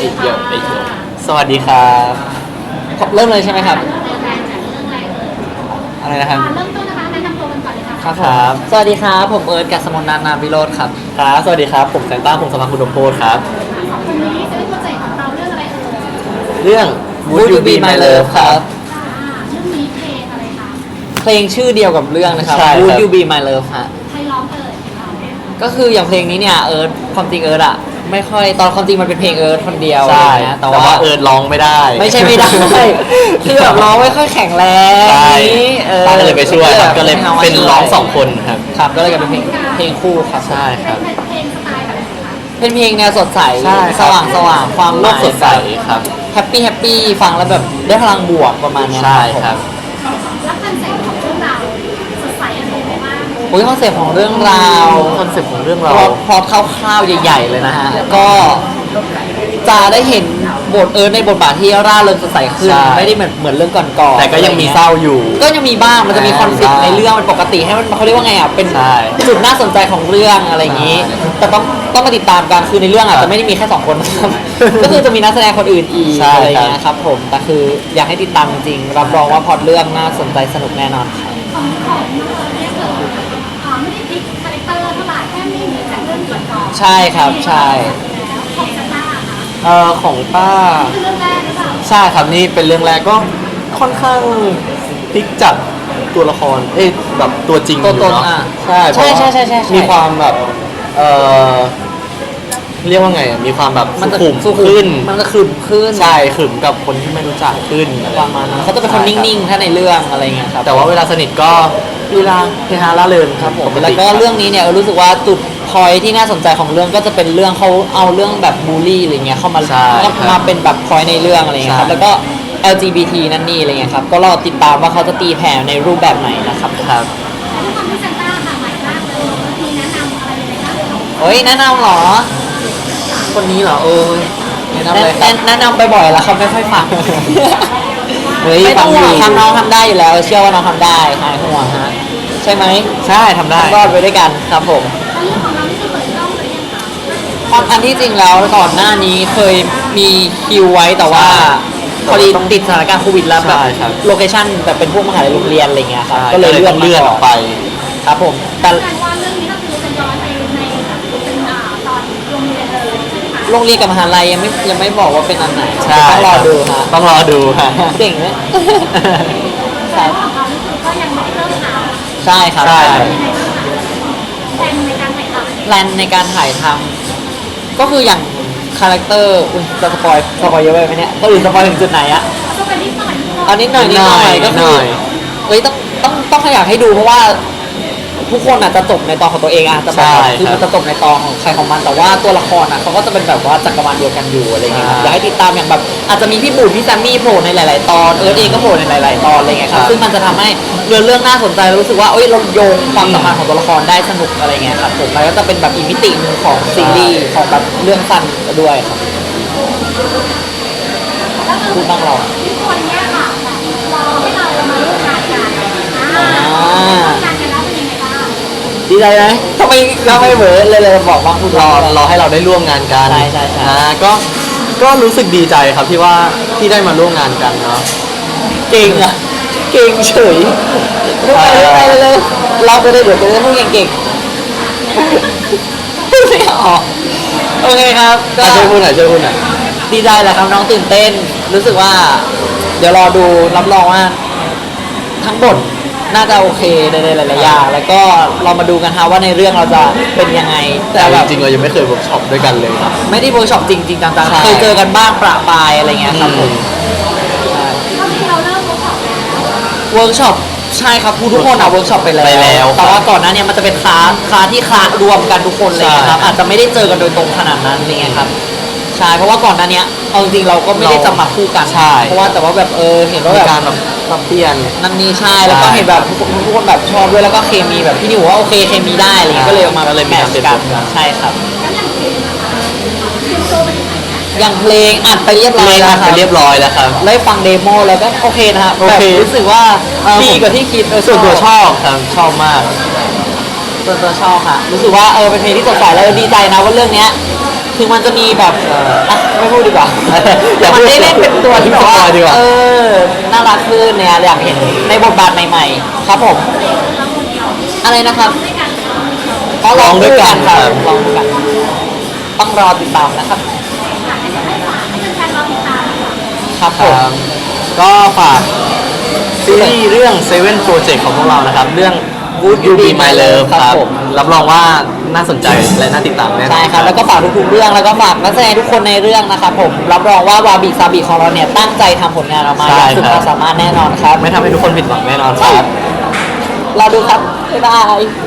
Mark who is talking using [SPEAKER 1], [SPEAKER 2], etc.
[SPEAKER 1] สวัสดีครับเริ่มเลยใช่ไหมครับอะไรนะครับ
[SPEAKER 2] เริ่มต้นนะคะแนะนำตัวกันก่อนเลยค่ะ
[SPEAKER 1] ครับสวัสดีครับผมเอิร์ธกัสมนต์นามวิโรธครับครับสวัสดีครับผมแซนต้าพงศธรคุณดมโพธครับ
[SPEAKER 2] สองคนนี้จะได้โปรเจกต์ของเราเรื่องอะไรเอ่ย
[SPEAKER 1] เรื่อง Would You Be My Love ครับ
[SPEAKER 2] เรื่องนี้เพลงอะไรคะ
[SPEAKER 1] เพลงชื่อเดียวกับเรื่องนะครับ Would You Be My Love ฮะ
[SPEAKER 2] ใครร้องเอ่ย
[SPEAKER 1] ก็คืออย่างเพลงนี้เนี่ยเอิร์ธความจริงเอิร์ธอะไม่ค่อยตอนความจริงมันเป็นเพลงเอิร์ธคนเดียว
[SPEAKER 3] ใช่
[SPEAKER 1] นะ
[SPEAKER 3] แต่ว่าเอิร์ธร้องไม่ได้
[SPEAKER 1] ไม่ใช่ไม่ได้คือแบบร้องไม่ค่อยแข็งแรง
[SPEAKER 3] ใช่
[SPEAKER 1] นี้
[SPEAKER 3] ป้าก็เลยไปช่วยครับก็เลยเป็นร้อง2 คนครับ
[SPEAKER 1] ครับก็เลยกลายเป็นเพลงคู่ครับ
[SPEAKER 3] ใช่ครับ
[SPEAKER 2] เป็นเพลงสไตล์แบบไหนคะ
[SPEAKER 1] เป็นเพลงแนวสดใส
[SPEAKER 3] ใช่
[SPEAKER 1] สว่างสว่างความ
[SPEAKER 3] โลกสดใสครับ
[SPEAKER 1] แฮปปี้ฟังแล้วแบบได้พลังบวกประมาณนี้
[SPEAKER 3] ใช่ครับ
[SPEAKER 2] แล้วคอนเซ็ปต์ของเรื่องราวสดใสอะไรบ้าง
[SPEAKER 1] โอ้ยคอนเซ็ปต์ของเรื่องราว
[SPEAKER 3] คอนเซ็ปต์ของเรื่องเรา
[SPEAKER 1] พอคร่าวๆใหญ่ๆเลยนะฮะก็จะได้เห็นบทในบทบาทที่ร่าเริงสดใสขึ้นไม่ได้เหมือนเรื่องก่อนๆ
[SPEAKER 3] แต่ก็ยังมีเศร้าอยู่
[SPEAKER 1] ก็ยังมีบ้างมันจะมีคอนฟ lict ในเรื่องมันปกติให้มันเขาเรียกว่าไงอ่ะเป็นจุดน่าสนใจของเรื่องอะไรอย่างนี้แต่ต้องมาติดตามกันคือในเรื่องอาจจะไม่ได้มีแค่2 คนนะครับก็คือจะมีนักแสดงคนอื่นอีกอะไรอย่างเงี้ยครับผมแต่คืออยากให้ติดตามจริงๆรับรองว่าพอดเรื่องน่าสนใจสนุกแน่นอนครับ
[SPEAKER 2] ของเนี่ยเกิดไม่ได้พลิกคาแรคเตอร์เท่าไหร่แค่ไม่มีจากเรื่องก่อน
[SPEAKER 1] ใช่ครับใช่
[SPEAKER 2] ของสตาร์ค่ะ
[SPEAKER 3] ของป้า
[SPEAKER 2] คือเรื่องแรกหรือเปล่า
[SPEAKER 3] ใช่ครับนี่เป็นเรื่องแรกก็ค่อนข้างพลิกจากตัวละครแบบตัวจริง
[SPEAKER 1] ตัวตน
[SPEAKER 3] เนาะใช่
[SPEAKER 1] ใช่
[SPEAKER 3] มีความแบบเรียกว่าไงมีความแบบสุขุมขึ้น
[SPEAKER 1] มันจะขรึมขึ้น
[SPEAKER 3] ใช่ขรึมกับคนที่ไม่รู้จักขึ้น
[SPEAKER 1] ประมาณนั้นเขาจะเป็นคนนิ่งๆถ้าในเรื่องอะไรเงี้ยครับ
[SPEAKER 3] แต่ว่าเวลาสนิทก็ลีลาเฮฮาล่าเริงครับผม
[SPEAKER 1] แล้วก็เรื่องนี้เนี่ยรู้สึกว่าจุดพอยที่น่าสนใจของเรื่องก็จะเป็นเรื่องเขาเอาเรื่องแบบบูลลี่อะไรเงี้ยเข้ามาเป็นแบบพอยในเรื่องอะไรเงี้ยครับแล้วก็ LGBT นั่นนี่อะไรเงี้ยครับก็รอติดตามว่าเขาจะตีแผ่ในรูปแบบไหนนะครับ
[SPEAKER 3] ครับ
[SPEAKER 2] แล้วด้วยความที่ซันต้าค่ะใหม่มากเลยมีแนะนำอะไรยังไงบ้าง
[SPEAKER 1] โอ้ยแนะนำหรอ
[SPEAKER 3] คนนี้เหรอ
[SPEAKER 1] แนะนำเลยแนะนำบ่อยๆแล้วเขาไม่ค่อยฟังไม่ต้องห่วงทำน้องทำได้อยู่แล้วเชื่อว่าน้องทำได้หายห่วงฮะใช่ไหม
[SPEAKER 3] ใช่ทำได้
[SPEAKER 1] รอดไปด้วยกันครับผม
[SPEAKER 2] แล้วเรื่องของเรานี่คือเปิดกล้องเลยยังคะ
[SPEAKER 1] ความอันที่จริงแล้วก่อนหน้านี้เคยมีคิวไว้แต่ว่าพอดีติดสถานการณ์โควิดแล้วแบบโลเคชั่นแบบเป็นพวกมหาลัยโรงเรียนอะไรเงี้ยครับก็เลยเลื่อน
[SPEAKER 3] ออกไป
[SPEAKER 1] ครับผม
[SPEAKER 2] แต่ว่าเรื่องนี้ก็คือจะย้อนไปในเป็นตอนโรงเรียนเลยใช่ไหมคะ
[SPEAKER 1] โรงเรียนกับมหาลัยยังไม่บอกว่าเป็นอันไหนต้องรอดูฮะ
[SPEAKER 3] ต้องรอดูฮะ
[SPEAKER 1] เก่งไหม
[SPEAKER 2] แต่ว่าของเรานี่คือก็ยังไม่ได้เริ่มถ่าย
[SPEAKER 1] ใช่ครับ
[SPEAKER 2] แผนในการถ่ายทำ
[SPEAKER 1] แพลนในการถ่ายทำก็คืออย่างคาแรคเตอร์จะสปอยเยอะไปไหมเนี่ยก็อื่นสปอยถึงจุดไหนอะ
[SPEAKER 2] เอาไปนิดหน่อย
[SPEAKER 1] นิดหน่อยก็คือต้องขยับให้ดูเพราะว่าทุกคนอาจจะจบในตอนของตัวเองอะจะแบบคือมันจะจบในตอนของใครของมันแต่ว่าตัวละครอะเขาก็จะเป็นแบบว่าจักรวาลเดียวกันอยู่อะไรเงี้ยอยากให้ติดตามอย่างแบบอาจจะมีพี่บุญพี่แซมมี่โผล่ในหลายๆตอนเอิร์ธเองก็โผล่ในหลายๆตอนอะไรเงี้ยครับซึ่งมันจะทำให้เรื่องน่าสนใจแล้วรู้สึกว่าเราโยงความสัมพันธ์ของตัวละครได้สนุกอะไรเงี้ยครับผมมันก็จะเป็นแบบอีกมิตินึงของซีรีส์ของแบบเรื่องสั้นด้วยครับพูดบ้างเรา
[SPEAKER 2] ทุกคนเนี่ยค่ะรอให้เรามาร่วมงานกันร่วมงานกันแล้วเป็นยังไงบ้าง
[SPEAKER 1] ดีใจไหมทำไมเหมือนเลยบอกว่าพูด
[SPEAKER 3] รอให้เราได้ร่วมงานกัน
[SPEAKER 1] ใช่
[SPEAKER 3] ก็รู้สึกดีใจครับที่ว่าที่ได้มาร่วมงานกันเนาะ
[SPEAKER 1] เก่งเฉยไปเลยเราไปเลยเดี๋ยวจะได้พูดเก่งพูดไม่ออกโอเคครับ
[SPEAKER 3] ก็ช่วยพูดหน่อย
[SPEAKER 1] ดีใจแหละครับน้องตื่นเต้นรู้สึกว่าเดี๋ยวรอดูรับรองว่าทั้งบทน่าจะโอเคในหลายๆอย่างแล้วก็เรามาดูกันฮะว่าในเรื่องเราจะเป็นยังไง
[SPEAKER 3] แต่จริงๆเรายังไม่เคยเวิร์กช็อปด้วยกันเลย
[SPEAKER 1] ไม่ได้เวิร์กช็อปจริงจังๆเคยเจอกันบ้างประปายอะไรเงี้ยครับผม
[SPEAKER 2] ก็คือเราเริ่ม
[SPEAKER 1] เวิร์กช็อปใช่ครับทุกคนเวิร์กช็อปไปแล้วแต่ว่าก่อนหน้านี้มันจะเป็นคลาสที่รวมกันทุกคนเลยครับอาจจะไม่ได้เจอกันโดยตรงขนาดนั้นอะไรเงี้ยครับใช่เพราะว่าก่อนหน้านี้เอาจริงเราก็ไม่ได้จะมาคู่กันเพราะว่าแต่ว่าแบบเห็นว่าแบบ
[SPEAKER 3] การแบบปรับเปลี่ยน
[SPEAKER 1] นั่นนี่ใช่แล้วก็เห็นแบบทุกคนแบบชอบด้วยแล้วก็เคมีแบบพี่นิวว่าโอเคเคมีได้อะไรก็เลยมาแมทช์กันใช่ครับอย่างเพลงอัดไปเรียบร้อยแล้วครับได้ฟังเดโมแล้วก็โอเคนะครับแบบรู้สึกว่าดีกว่าที่คิด
[SPEAKER 3] ส่วนตัวชอบครับชอบมาก
[SPEAKER 1] ส่วนตัวชอบค่ะรู้สึกว่าเป็นเพลงที่สดใสแล้วดีใจนะว่าเรื่องนี้ถึงมันจะมีแบบไม่พูดดีกว่า
[SPEAKER 3] อย่าพู
[SPEAKER 1] มัน
[SPEAKER 3] ด
[SPEAKER 1] ได้เล่นเป็นตัวที่แบบว่า
[SPEAKER 3] อย่าพูดดีกว่า
[SPEAKER 1] น่ารักขึ้นเนี่ยอยากเห็นในบทบาทใหม่ๆ ครับผม อะไรนะครับอ๋อร้องด้วยกันครับร้องด้วยกัน ต้องรอติดตามนะครับ
[SPEAKER 2] ให้แฟนๆรอติดตามค่ะ
[SPEAKER 1] ครับ
[SPEAKER 3] ค
[SPEAKER 1] ผม
[SPEAKER 3] รับก็ฝากซีรีส์เรื่อง Seven Project ของพวกเรานะครับ เรื่อง Would You Be My Love ครับ
[SPEAKER 1] ผม
[SPEAKER 3] รับรองว่าน่าสนใจและน่าติดตามแน่นอน
[SPEAKER 1] ใช่ครับ แล้วก็ฝากทุกๆเรื่องแล้วก็ฝากนักแสดงทุกคนในเรื่องนะครับผมรับรองว่าวาบิซาบิของเราเนี่ยตั้งใจทำผลงานออกมาอย่างสุดความสามารถแน่นอนครับ
[SPEAKER 3] ไม่ทำให้ทุกคนผิดหวังแน่นอนครับ
[SPEAKER 1] รอดูครับ บ๊ายบาย